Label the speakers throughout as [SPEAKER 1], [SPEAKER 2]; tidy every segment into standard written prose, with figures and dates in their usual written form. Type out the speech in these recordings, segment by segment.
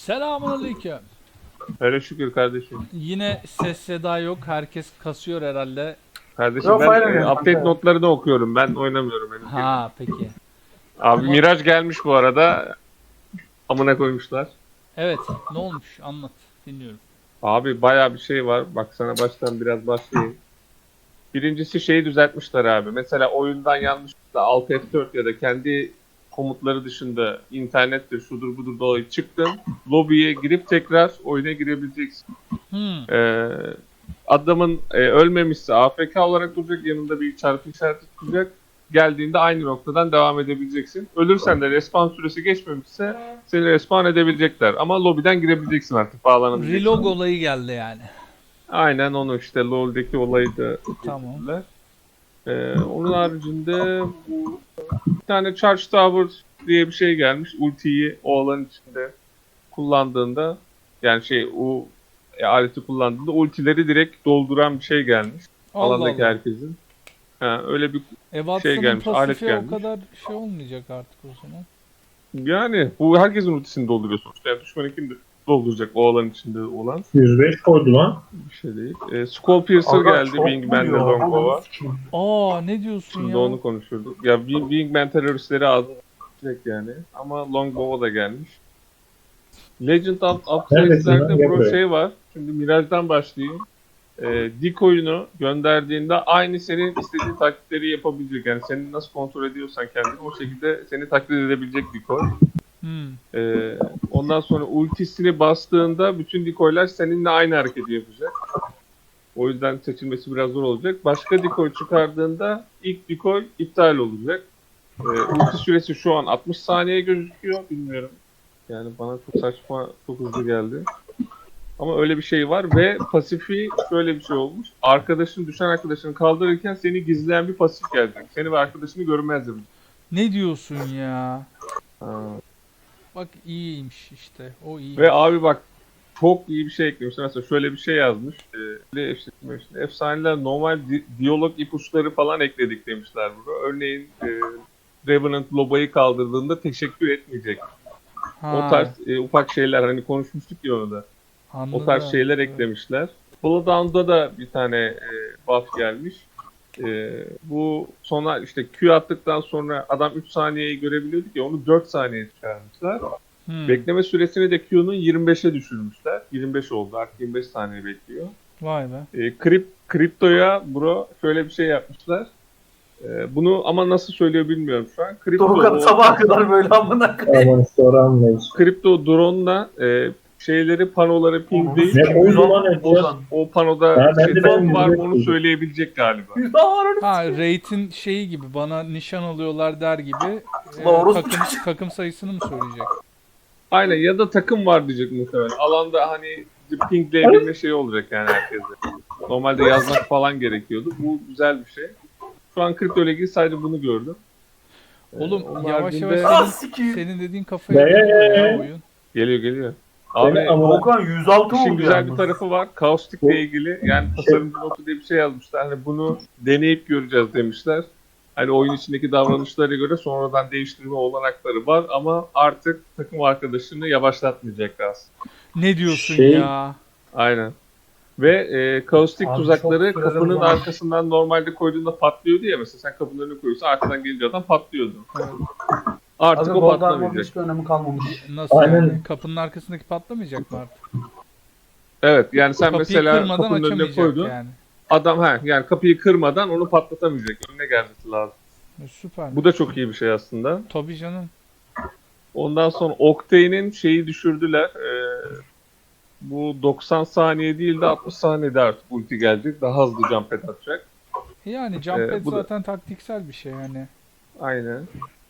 [SPEAKER 1] Selamünaleyküm.
[SPEAKER 2] Öyle şükür kardeşim.
[SPEAKER 1] Yine ses seda yok. Herkes kasıyor herhalde.
[SPEAKER 2] Kardeşim
[SPEAKER 3] Yok,
[SPEAKER 2] ben
[SPEAKER 3] oynamıyorum
[SPEAKER 2] update
[SPEAKER 3] kanka.
[SPEAKER 2] notlarını okuyorum. Ben oynamıyorum henüz.
[SPEAKER 1] Ha peki.
[SPEAKER 2] Abi
[SPEAKER 1] Ama-
[SPEAKER 2] Miraç gelmiş bu arada. Amına koymuşlar.
[SPEAKER 1] Evet. Ne olmuş? Anlat. Dinliyorum.
[SPEAKER 2] Abi bayağı bir şey var. Bak sana baştan biraz başlayayım. Birincisi şeyi düzeltmişler abi. Mesela oyundan yanlışlıkla Alt F4 ya da kendi komutları dışında internettir, şudur budur dolayı çıktın. Lobiye girip tekrar oyuna girebileceksin. Adamın ölmemişse AFK olarak duracak, yanında bir çarpı işareti tutacak. Geldiğinde aynı noktadan devam edebileceksin. Ölürsen de respawn süresi geçmemişse seni respawn edebilecekler. Ama lobiden girebileceksin artık, bağlanabileceksin.
[SPEAKER 1] Relog olayı geldi yani.
[SPEAKER 2] Aynen onu işte LoL'deki olayı da
[SPEAKER 1] Tamam.
[SPEAKER 2] getirdiler. Onun haricinde bu bir tane Charge Tower diye bir şey gelmiş. Ultiyi o alan içinde kullandığında, yani o aleti kullandığında ultileri direkt dolduran bir şey gelmiş.
[SPEAKER 1] Allah
[SPEAKER 2] Alandaki
[SPEAKER 1] Allah.
[SPEAKER 2] herkesin. Öyle bir
[SPEAKER 1] Watson'ın
[SPEAKER 2] gelmiş, alet
[SPEAKER 1] pasifi o
[SPEAKER 2] gelmiş.
[SPEAKER 1] kadar şey olmayacak artık o zaman.
[SPEAKER 2] Yani bu herkesin ultisini dolduruyor sonuçta. Yani düşmanınkini de dolduracak o alan içinde olan
[SPEAKER 3] 105 koydu lan.
[SPEAKER 2] bir şey değil. Skull Piercer geldi Wingman'de Longbow'a.
[SPEAKER 1] Aa ne diyorsun
[SPEAKER 2] Şimdi
[SPEAKER 1] ya?
[SPEAKER 2] onu konuşurduk. Ya Wingman teröristleri ağzına sıçacak yani. Ama Longbow'a da gelmiş. Legend of
[SPEAKER 3] Neredesin lan?
[SPEAKER 2] Upside'lerde
[SPEAKER 3] Gel
[SPEAKER 2] bu
[SPEAKER 3] buraya.
[SPEAKER 2] şey var. Şimdi Mirage'dan başlayayım. Decoy'unu gönderdiğinde aynı senin istediğin taklitleri yapabilecek. Yani seni nasıl kontrol ediyorsan kendini o şekilde seni taklit edebilecek decoy. Ondan sonra ultisini bastığında bütün decoylar seninle aynı hareketi yapacak. O yüzden seçilmesi biraz zor olacak. Başka decoy çıkardığında ilk decoy iptal olacak. Ulti süresi şu an 60 saniye gözüküyor. Bilmiyorum. Yani bana çok saçma, çok hızlı geldi. Ama öyle bir şey var ve pasifi şöyle bir şey olmuş. Düşen arkadaşını kaldırırken seni gizleyen bir pasif gelecek. Seni ve arkadaşını görmez yapacak.
[SPEAKER 1] Ne diyorsun ya?
[SPEAKER 2] Ha.
[SPEAKER 1] Bak iyiymiş işte. O iyi.
[SPEAKER 2] Ve abi bak çok iyi bir şey eklemişler. Mesela şöyle bir şey yazmış. Efsaneler normal diyalog ipuçları falan ekledik demişler burada. Örneğin Revenant Loba'yı kaldırdığında teşekkür etmeyecek.
[SPEAKER 1] Ha,
[SPEAKER 2] O tarz ufak şeyler, hani konuşmuştuk ya onu da.
[SPEAKER 1] anladım.
[SPEAKER 2] O tarz şeyler
[SPEAKER 1] Evet.
[SPEAKER 2] eklemişler. Bloodhound'da da bir tane buff gelmiş. Bu sonra işte Q attıktan sonra adam 3 saniyeyi görebiliyorduk ya, onu 4 saniye çıkarmışlar. Bekleme süresini de Q'nun 25'e düşürmüşler. 25 oldu, artık 25 saniye bekliyor.
[SPEAKER 1] Vay be.
[SPEAKER 2] Kripto'ya bro şöyle bir şey yapmışlar. Bunu ama nasıl söylüyor bilmiyorum şu an.
[SPEAKER 3] Doğukan sabaha kadar böyle amına koyayım.
[SPEAKER 4] Aman sonra anlayış.
[SPEAKER 2] Kripto drone'la panoları pingleyip
[SPEAKER 4] Ne koydu lan Edgar?
[SPEAKER 2] o panoda
[SPEAKER 4] Ha, ben de
[SPEAKER 2] drone
[SPEAKER 4] ben
[SPEAKER 2] var mı
[SPEAKER 4] de
[SPEAKER 2] onu
[SPEAKER 4] koydum.
[SPEAKER 2] söyleyebilecek galiba.
[SPEAKER 1] Ha rate'in şeyi gibi bana nişan alıyorlar der gibi
[SPEAKER 3] Doğru.
[SPEAKER 1] takım sayısını mı söyleyecek?
[SPEAKER 2] Aynen, ya da takım var diyecek muhtemelen. Alanda hani pingleyebilme şeyi olacak yani herkese. Normalde yazmak falan gerekiyordu. Bu güzel bir şey. Şu an kripto ile ilgili sadece bunu gördüm.
[SPEAKER 1] Oğlum
[SPEAKER 2] Onun
[SPEAKER 1] yavaş
[SPEAKER 2] haricinde-
[SPEAKER 1] yavaş
[SPEAKER 3] Ah
[SPEAKER 1] senin,
[SPEAKER 3] sikiyim.
[SPEAKER 1] senin dediğin kafaya geliyor ya oyun.
[SPEAKER 2] Geliyor.
[SPEAKER 4] Seni
[SPEAKER 2] Abi
[SPEAKER 4] amına-
[SPEAKER 3] Doğukan 106
[SPEAKER 2] işin
[SPEAKER 3] oldu
[SPEAKER 2] güzel
[SPEAKER 3] yalnız.
[SPEAKER 2] bir tarafı var. Kaustik'le ilgili yani tasarımcı notu diye bir şey yazmışlar. Hani bunu deneyip göreceğiz demişler. Hani oyun içindeki davranışlara göre sonradan değiştirme olanakları var ama artık takım arkadaşını yavaşlatmayacaklar aslında.
[SPEAKER 1] Ne diyorsun
[SPEAKER 4] Şey-
[SPEAKER 1] ya?
[SPEAKER 2] Aynen. Ve kaustik
[SPEAKER 3] Abi
[SPEAKER 2] tuzakları
[SPEAKER 3] çok
[SPEAKER 2] kapının
[SPEAKER 3] sırada var.
[SPEAKER 2] arkasından normalde koyduğunda patlıyordu ya, mesela sen kapının önüne koyuyorsun arkadan gelince adam patlıyordu. Artık
[SPEAKER 3] Abi
[SPEAKER 2] o
[SPEAKER 3] Golden
[SPEAKER 2] patlamayacak.
[SPEAKER 3] hiçbir önemi kalmamış.
[SPEAKER 1] Nasıl
[SPEAKER 4] Aynen.
[SPEAKER 1] yani? Kapının arkasındaki patlamayacak mı artık?
[SPEAKER 2] Evet, yani sen
[SPEAKER 1] Kapıyı
[SPEAKER 2] mesela
[SPEAKER 1] kırmadan
[SPEAKER 2] kapının önüne
[SPEAKER 1] açamayacak
[SPEAKER 2] koydun.
[SPEAKER 1] yani.
[SPEAKER 2] Adam yani kapıyı kırmadan onu patlatamayacak. Önüne gelmesi lazım.
[SPEAKER 1] Süper.
[SPEAKER 2] Bu da çok iyi bir şey aslında.
[SPEAKER 1] Tabii canım.
[SPEAKER 2] Ondan sonra Octane'in şeyi düşürdüler. Bu 90 saniye değil de 60 saniyede artık ulti gelecek. Daha hızlı jump pad atacak.
[SPEAKER 1] Yani jump pad
[SPEAKER 2] bu da-
[SPEAKER 1] zaten taktiksel bir şey yani.
[SPEAKER 2] Aynen.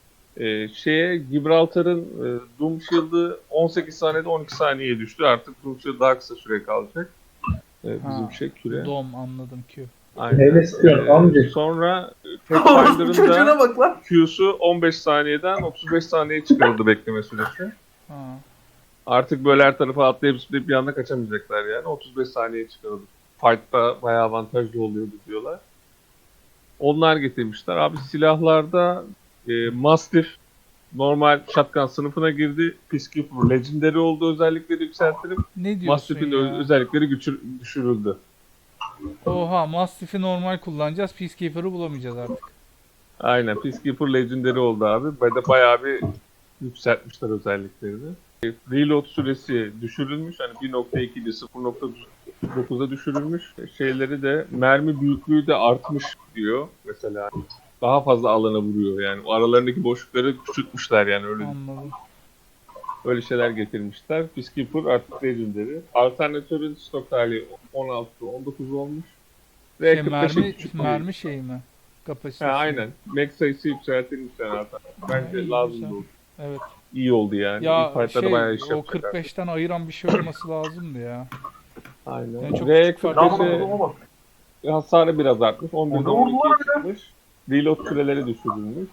[SPEAKER 2] Gibraltar'ın Doom Shield'ı 18 saniyede 12 saniyeye düştü. Artık Doom Shield daha kısa süre kalacak. Bizim küre.
[SPEAKER 1] Dom anladım Q.
[SPEAKER 2] Aynen.
[SPEAKER 4] Neyle sıkıyorsun amca?
[SPEAKER 2] Sonra
[SPEAKER 3] Orospu çocuğuna
[SPEAKER 2] Pathfinder'ın da
[SPEAKER 3] bak lan.
[SPEAKER 2] Q'su 15 saniyeden 35 saniyeye çıkarıldı bekleme süresi.
[SPEAKER 1] Ha.
[SPEAKER 2] Artık böyle her tarafa atlayıp zıplayıp bir anda kaçamayacaklar yani. 35 saniyeye çıkarıldı. Fight'ta bayağı avantajlı oluyordu diyorlar. Onlar getirmişler. Abi silahlarda Mastiff normal shotgun sınıfına girdi. Peacekeeper Legendary oldu, özellikleri yükseltilip
[SPEAKER 1] Ne diyorsun
[SPEAKER 2] Mastiff'in de
[SPEAKER 1] ya?
[SPEAKER 2] özellikleri düşürüldü.
[SPEAKER 1] Oha, Mastiff'i normal kullanacağız. Peacekeeper'ı bulamayacağız artık.
[SPEAKER 2] Aynen, Peacekeeper Legendary oldu abi. Bayağı bir yükseltmişler özelliklerini. Reload süresi düşürülmüş. Hani 1.2'de 0.9'a düşürülmüş. Şeyleri de mermi büyüklüğü de artmış diyor mesela. Daha fazla alana vuruyor yani. O aralarındaki boşlukları küçültmüşler yani öyle.
[SPEAKER 1] Anladım.
[SPEAKER 2] Öyle şeyler getirmişler. Peacekeeper artık Legendary. Alternatörün stok hali 16-19 olmuş. Ve
[SPEAKER 1] Şey,
[SPEAKER 2] 45'e küçük bir-
[SPEAKER 1] mermi şeyi mi? Kapasitesi.
[SPEAKER 2] Ha, aynen. Max sayısı yükseltilmiş yani zaten. Bence
[SPEAKER 1] İyi,
[SPEAKER 2] lazım
[SPEAKER 1] güzel.
[SPEAKER 2] oldu.
[SPEAKER 1] Evet.
[SPEAKER 2] İyi oldu yani.
[SPEAKER 1] Ya
[SPEAKER 2] İlk fight'larda
[SPEAKER 1] şey,
[SPEAKER 2] bayağı iş
[SPEAKER 1] o
[SPEAKER 2] yapacaklar.
[SPEAKER 1] 45'ten ayıran bir şey olması lazımdı ya.
[SPEAKER 2] Aynen.
[SPEAKER 1] Yani çok
[SPEAKER 2] Ve
[SPEAKER 1] küçük fark
[SPEAKER 3] Lan
[SPEAKER 1] etmiyor.
[SPEAKER 3] adama bak.
[SPEAKER 2] hasarı biraz artmış. 11'de
[SPEAKER 3] Onu vurdular
[SPEAKER 2] 12'ye çıkmış. Reload süreleri düşürülmüş.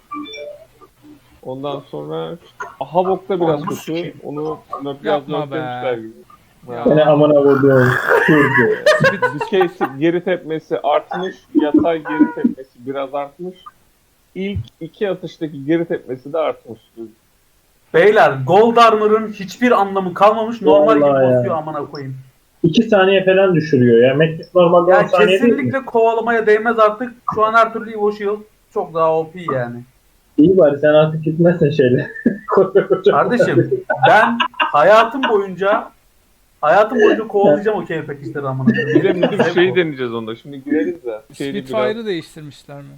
[SPEAKER 2] Ondan sonra Havok'ta biraz
[SPEAKER 3] Onu
[SPEAKER 2] kötü.
[SPEAKER 3] sikeyim.
[SPEAKER 2] Onu biraz
[SPEAKER 1] Yapma be.
[SPEAKER 2] nörtlemişler gibi.
[SPEAKER 1] Ya.
[SPEAKER 4] Seni amına vurduğum Kürdü.
[SPEAKER 2] Dikey geri tepmesi artmış. Yatay geri tepmesi biraz artmış. İlk iki atıştaki geri tepmesi de artmış.
[SPEAKER 3] Beyler Gold Armor'ın hiçbir anlamı kalmamış. Normal gibi
[SPEAKER 4] Vallahi ya.
[SPEAKER 3] basıyor amına koyayım.
[SPEAKER 4] 2 saniye falan düşürüyor ya. Metis normalde 10
[SPEAKER 3] Ya
[SPEAKER 4] saniye değil mi?
[SPEAKER 3] kesinlikle kovalamaya değmez artık. Şu an her türlü Evo Shield çok daha OP yani.
[SPEAKER 4] İyi bari sen artık gitmezsen şeyle. Koca koca.
[SPEAKER 3] Kardeşim ben hayatım boyunca kovalayacağım o keyif paketleri amına koyayım.
[SPEAKER 2] Bir de müdür şeyi deneyeceğiz onda. Şimdi gireriz de.
[SPEAKER 1] Spitfire'ı değiştirmişler mi?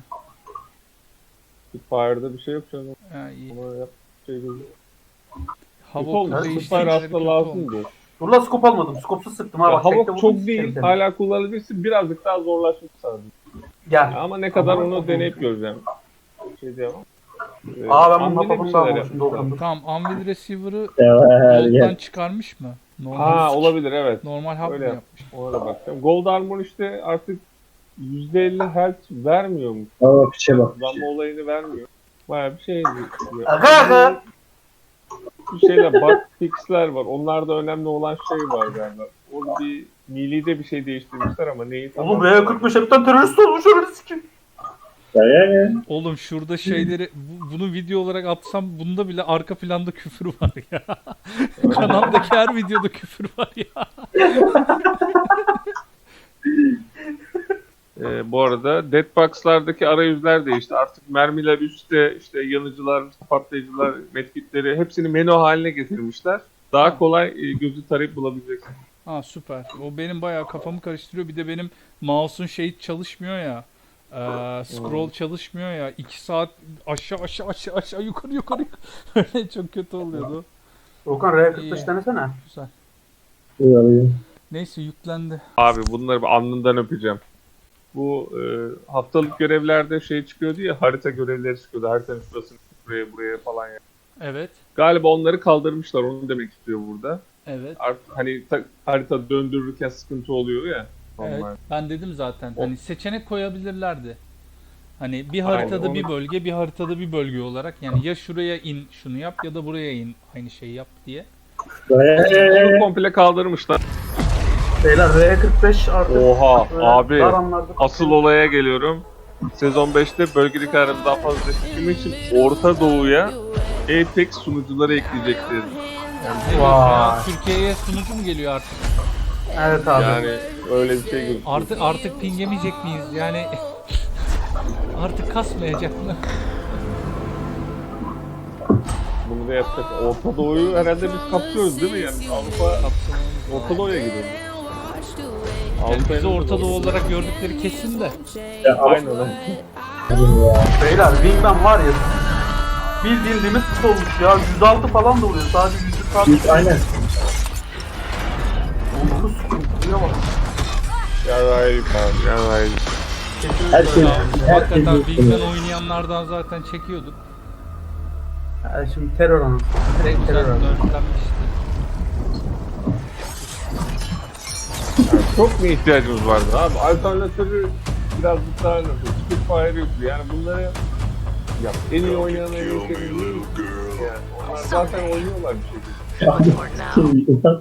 [SPEAKER 2] Spitfire'da bir şey yok canım.
[SPEAKER 1] Ha, iyi.
[SPEAKER 2] Ona yap şey değil.
[SPEAKER 1] Havok
[SPEAKER 2] Spitfire
[SPEAKER 1] değiştirmeleri
[SPEAKER 2] aslında
[SPEAKER 1] kötü olmuş.
[SPEAKER 2] lazımdı.
[SPEAKER 3] Dur la scope almadım. Scope'suz sıktım ha.
[SPEAKER 2] Ya,
[SPEAKER 3] Bak, tekte
[SPEAKER 2] Havok
[SPEAKER 3] vurdum,
[SPEAKER 2] çok
[SPEAKER 3] sikerim
[SPEAKER 2] değil.
[SPEAKER 3] seni.
[SPEAKER 2] Hala kullanabilirsin. Birazcık daha zorlaşmış sadece.
[SPEAKER 3] Gel.
[SPEAKER 2] Ama ne kadar
[SPEAKER 3] Ama-
[SPEAKER 2] onu deneyip göreceğim. Şey diyemem.
[SPEAKER 3] Aa ben bunun
[SPEAKER 2] Anvil'e bir
[SPEAKER 3] hapapını
[SPEAKER 2] şeyler
[SPEAKER 3] almışım.
[SPEAKER 2] yapmışlar.
[SPEAKER 3] Doldurmuş.
[SPEAKER 1] Tamam, Anvil Receiver'ı
[SPEAKER 4] Sever
[SPEAKER 1] Gold'dan
[SPEAKER 4] gel.
[SPEAKER 1] çıkarmış mı?
[SPEAKER 2] Ha olabilir evet.
[SPEAKER 1] Normal hub mı
[SPEAKER 2] Öyle
[SPEAKER 1] yapmış?
[SPEAKER 2] Ona da bakacağım. Gold Armor işte artık %50 health vermiyor mu?
[SPEAKER 4] Ama piçe bak.
[SPEAKER 2] Damla olayını vermiyor. Bayağı bir şey diyor.
[SPEAKER 3] Aga aga.
[SPEAKER 2] Bir şeyler bug fixler var. Onlarda önemli olan şey var galiba. Orada bir Meelee'de bir şey değiştirmişler ama neyi tam
[SPEAKER 3] Oğlum R45 hepten terörist olmuş öyle sikim.
[SPEAKER 4] Ya.
[SPEAKER 1] Oğlum şurada şeyleri bunu video olarak atsam bunda bile arka planda küfür var ya. Kanaldaki her videoda küfür var ya.
[SPEAKER 2] Bu arada Deadbox'lardaki arayüzler değişti. Artık mermiler üstte, işte yanıcılar, patlayıcılar, medkitleri hepsini menü haline getirmişler. Daha kolay gözü tarayıp bulabileceksin.
[SPEAKER 1] Ha süper. O benim bayağı kafamı karıştırıyor. Bir de benim mouse'un şey çalışmıyor ya. Scroll çalışmıyor ya. 2 saat aşağı yukarı. Öyle çok kötü oluyordu.
[SPEAKER 3] Volkan R45
[SPEAKER 1] İyi.
[SPEAKER 3] denesene.
[SPEAKER 1] Güzel.
[SPEAKER 4] Uyarıyor.
[SPEAKER 1] Neyse yüklendi.
[SPEAKER 2] Abi bunları bir alnından öpeceğim. Bu haftalık görevlerde şey çıkıyordu ya, harita görevleri çıkıyordu. Haritanın şurasını buraya falan ya.
[SPEAKER 1] Evet.
[SPEAKER 2] Galiba onları kaldırmışlar, onu demek istiyor burada.
[SPEAKER 1] Evet.
[SPEAKER 2] Artık hani harita döndürürken sıkıntı oluyor ya.
[SPEAKER 1] Evet.
[SPEAKER 2] Normal.
[SPEAKER 1] Ben dedim zaten.
[SPEAKER 2] O-
[SPEAKER 1] Hani seçenek koyabilirlerdi. Hani bir haritada
[SPEAKER 2] Aynen,
[SPEAKER 1] bir
[SPEAKER 2] onu-
[SPEAKER 1] bölge, bir haritada bir bölge olarak. Yani ya şuraya in şunu yap ya da buraya in aynı şeyi yap diye.
[SPEAKER 2] Onu komple kaldırmışlar.
[SPEAKER 3] Beyler R45 artık.
[SPEAKER 2] Oha
[SPEAKER 3] böyle
[SPEAKER 2] abi.
[SPEAKER 3] dar anlarda-
[SPEAKER 2] Asıl olaya geliyorum. Sezon 5'te bölgelik aramı daha fazla desteklemek için Orta Doğu'ya Apex sunucuları ekleyecekler.
[SPEAKER 1] Ne diyorsun ya?
[SPEAKER 3] Vay.
[SPEAKER 1] Türkiye'ye sunucu mu geliyor artık?
[SPEAKER 3] Evet abi.
[SPEAKER 2] Yani öyle bir şey gözüküyor.
[SPEAKER 1] Artık pingemeyecek miyiz? Yani artık kasmayacak mı?
[SPEAKER 2] Bunu da yapacak. Orta Doğu'yu herhalde biz kapsıyoruz değil mi yani? Avrupa Orta Doğu'ya gidiyor.
[SPEAKER 1] Yani bizi
[SPEAKER 2] Avrupa'ya
[SPEAKER 1] Orta Doğu olarak gördükleri kesin de.
[SPEAKER 2] Aynen öyle.
[SPEAKER 3] Beyler Wingman var ya. Bildiğin limit olmuş ya. 106 falan da oluyor. Sadece 100
[SPEAKER 4] Aynen.
[SPEAKER 3] Onu sıkıntıya bak.
[SPEAKER 2] Yarayip abi yarayip.
[SPEAKER 3] Kesinlikle
[SPEAKER 4] Her şey.
[SPEAKER 3] öyle.
[SPEAKER 1] Hakikaten
[SPEAKER 4] şey
[SPEAKER 1] Bigman oynayanlardan zaten çekiyorduk.
[SPEAKER 3] Yani şimdi terör anı. Direkt
[SPEAKER 1] Güzel
[SPEAKER 3] terör anı.
[SPEAKER 1] dörtlenmişti.
[SPEAKER 2] Çok mu ihtiyacımız vardı abi? Alternatörü birazcık daha nasıl? Spitfire yoktu. Yani bunları ya en iyi oynayan en iyi şey değil. Yani onlar zaten oynuyorlar bir şekilde.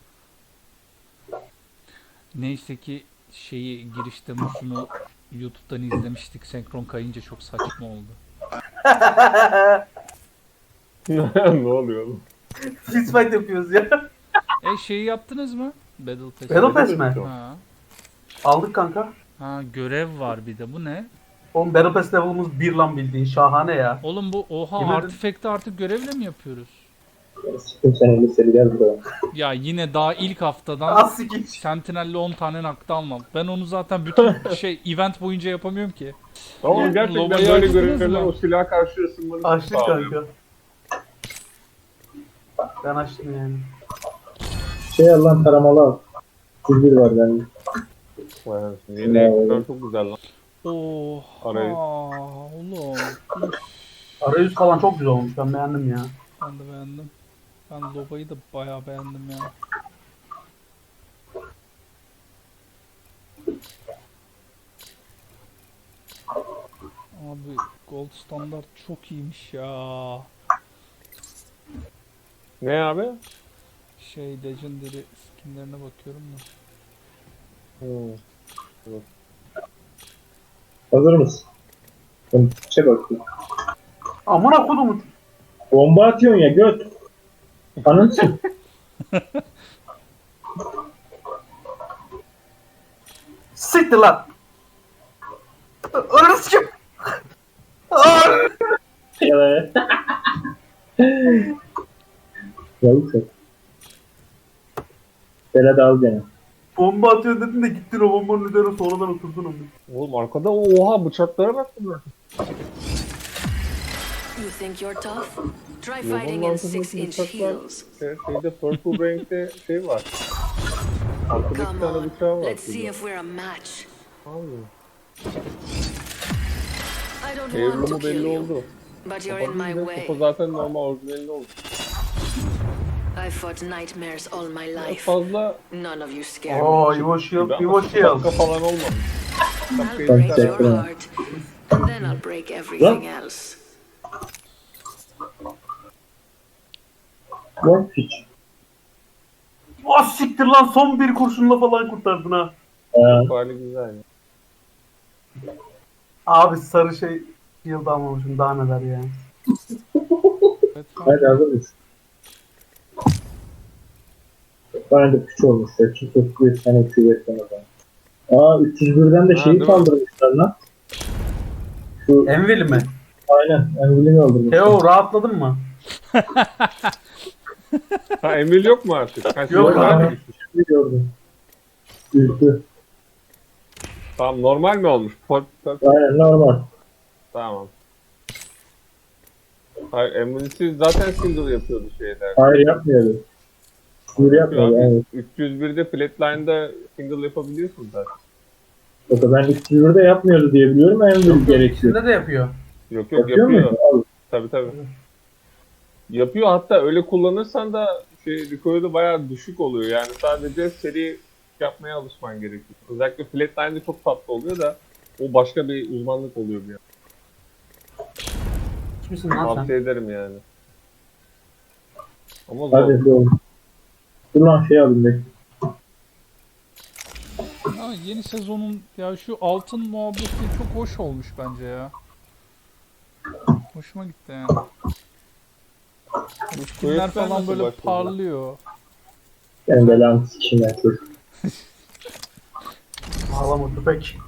[SPEAKER 1] Neyse ki şeyi girişte Musun'u YouTube'dan izlemiştik. Senkron kayınca çok saçma oldu.
[SPEAKER 2] Ne oluyor oğlum?
[SPEAKER 3] Fistfight yapıyoruz ya.
[SPEAKER 1] Şeyi yaptınız mı? Battle Pass.
[SPEAKER 3] Battle Pass mi?
[SPEAKER 1] Ha.
[SPEAKER 3] Aldık kanka.
[SPEAKER 1] Ha, görev var bir de. Bu ne?
[SPEAKER 3] Oğlum Battle Pass level'ımız 1 lan bildiğin. Şahane ya.
[SPEAKER 1] Oğlum bu oha
[SPEAKER 3] Yemin ederim.
[SPEAKER 1] artifact'ı artık görevle mi yapıyoruz?
[SPEAKER 4] Sikim sen liseli gel buraya.
[SPEAKER 1] Ya yine daha ilk haftadan
[SPEAKER 3] Az sikik.
[SPEAKER 1] Sentinel'le 10 tane nakta almam. Ben onu zaten bütün event boyunca yapamıyorum ki.
[SPEAKER 2] Ama
[SPEAKER 1] Ya,
[SPEAKER 2] gerçekten
[SPEAKER 1] lobayı
[SPEAKER 2] böyle
[SPEAKER 1] açtınız
[SPEAKER 2] görevler
[SPEAKER 1] mı?
[SPEAKER 2] o silah karşı ısınmanı
[SPEAKER 3] Açtık
[SPEAKER 2] sağlıyor.
[SPEAKER 3] kanka. Ben açtım yani.
[SPEAKER 4] Şey Allah'ın taramalı al. Kuzur var bende.
[SPEAKER 2] Vay anasını. Yeni ekipler çok güzel lan.
[SPEAKER 1] Oha
[SPEAKER 2] Arayüz.
[SPEAKER 1] oğlum. Üf,
[SPEAKER 3] Arayüz falan çok güzel olmuş. Ben beğendim ya.
[SPEAKER 1] ben de beğendim. Ben lobayı da bayağı beğendim ya. Abi gold standart çok iyiymiş ya.
[SPEAKER 2] Ne abi?
[SPEAKER 1] Legendary skinlerine bakıyorum da.
[SPEAKER 4] Hazır mısın? Ben piçe bakayım.
[SPEAKER 3] Amına kodumu.
[SPEAKER 4] Bomba atıyorsun ya göt. Anınsın.
[SPEAKER 3] Siktir lan. Ananı sikim.
[SPEAKER 4] Evet. Yavuk yok. Berat al gene.
[SPEAKER 3] Bomba atıyor dedin de gittin o bombanın üzerine sonradan oturdun onu.
[SPEAKER 2] Oğlum arkada oha bıçaklara bak bunlar.
[SPEAKER 5] You think you're tough? Try
[SPEAKER 2] Yolun
[SPEAKER 5] fighting in
[SPEAKER 2] altındaki
[SPEAKER 5] 6-inch
[SPEAKER 2] bıçaklar.
[SPEAKER 5] heels.
[SPEAKER 2] Şeyde Purple Rank'te şey var. Arkada bir
[SPEAKER 5] Come
[SPEAKER 2] tane
[SPEAKER 5] on,
[SPEAKER 2] bıçağı var.
[SPEAKER 5] let's see if we're a match.
[SPEAKER 2] Abi.
[SPEAKER 5] I don't want to
[SPEAKER 2] Evrumu
[SPEAKER 5] kill
[SPEAKER 2] belli
[SPEAKER 5] you,
[SPEAKER 2] oldu.
[SPEAKER 5] but you're in my
[SPEAKER 2] Kafa
[SPEAKER 5] way.
[SPEAKER 2] zaten normal orijinalinde oldu.
[SPEAKER 5] I fought nightmares all my
[SPEAKER 2] Çok
[SPEAKER 5] life.
[SPEAKER 2] fazla
[SPEAKER 5] None of you scare me.
[SPEAKER 3] Oo Evo Shield, Evo Shield.
[SPEAKER 2] şapka falan olmamış.
[SPEAKER 5] I'll break
[SPEAKER 4] Thanks,
[SPEAKER 5] your
[SPEAKER 4] Jack.
[SPEAKER 5] heart, and then I'll break everything else.
[SPEAKER 4] Bak piç.
[SPEAKER 3] Ah siktir lan son bir kurşunla falan kurtardın ha.
[SPEAKER 2] Hali güzel.
[SPEAKER 3] Abi sarı şey Shield almamışım daha neler ya.
[SPEAKER 1] Evet,
[SPEAKER 4] Hadi hazır mısın? Bana da piç olmuş ya. Kimse bir tane küvet bana da. 301'den de
[SPEAKER 2] Ha,
[SPEAKER 4] şeyi
[SPEAKER 2] değil mi?
[SPEAKER 4] kaldırmışlar lan. Şu
[SPEAKER 3] Enveli mi?
[SPEAKER 4] aynen. Envil'i kaldırmışlar.
[SPEAKER 3] Teo rahatladın mı?
[SPEAKER 2] Ha Emil yok mu artık? Ha,
[SPEAKER 3] Yok
[SPEAKER 2] normal
[SPEAKER 3] abi.
[SPEAKER 2] mi düşmüş?
[SPEAKER 4] Şimdi gördüm. Üzdü.
[SPEAKER 2] Tamam normal mi olmuş?
[SPEAKER 4] Aynen normal.
[SPEAKER 2] Tamam. Hayır Emil'siz zaten single yapıyordu şeyler.
[SPEAKER 4] Hayır yapmıyordu. Sinir yapmıyordu yani.
[SPEAKER 2] 301'de Flatline'da single yapabiliyorsun zaten.
[SPEAKER 4] Yoksa ben 301'de yapmıyordu diye biliyorum. Envil gerekiyor.
[SPEAKER 3] İçinde de yapıyor.
[SPEAKER 2] Yok
[SPEAKER 4] Yapıyor
[SPEAKER 2] yapıyor.
[SPEAKER 4] mu? Al.
[SPEAKER 2] Tabii. Yapıyor hatta öyle kullanırsan da recoil'ı bayağı düşük oluyor. Yani sadece seri yapmaya alışman gerekiyor. Özellikle Flatline'de çok tatlı oluyor da o başka bir uzmanlık oluyor bir yani.
[SPEAKER 3] Kimsin lan sen?
[SPEAKER 2] Tavsiye ederim yani. Ama zor.
[SPEAKER 4] Hadi doğru. Dur lan şey alayım bekle.
[SPEAKER 1] Ha, yeni sezonun ya şu altın muhabbeti çok hoş olmuş bence ya. Hoşuma gitti yani. Skinler
[SPEAKER 2] Quest'ler
[SPEAKER 1] falan
[SPEAKER 2] nasıl
[SPEAKER 1] böyle
[SPEAKER 2] başladı?
[SPEAKER 1] parlıyor.
[SPEAKER 4] Ben belanı sikeyim ya çocuk.
[SPEAKER 3] Ağlama köpek.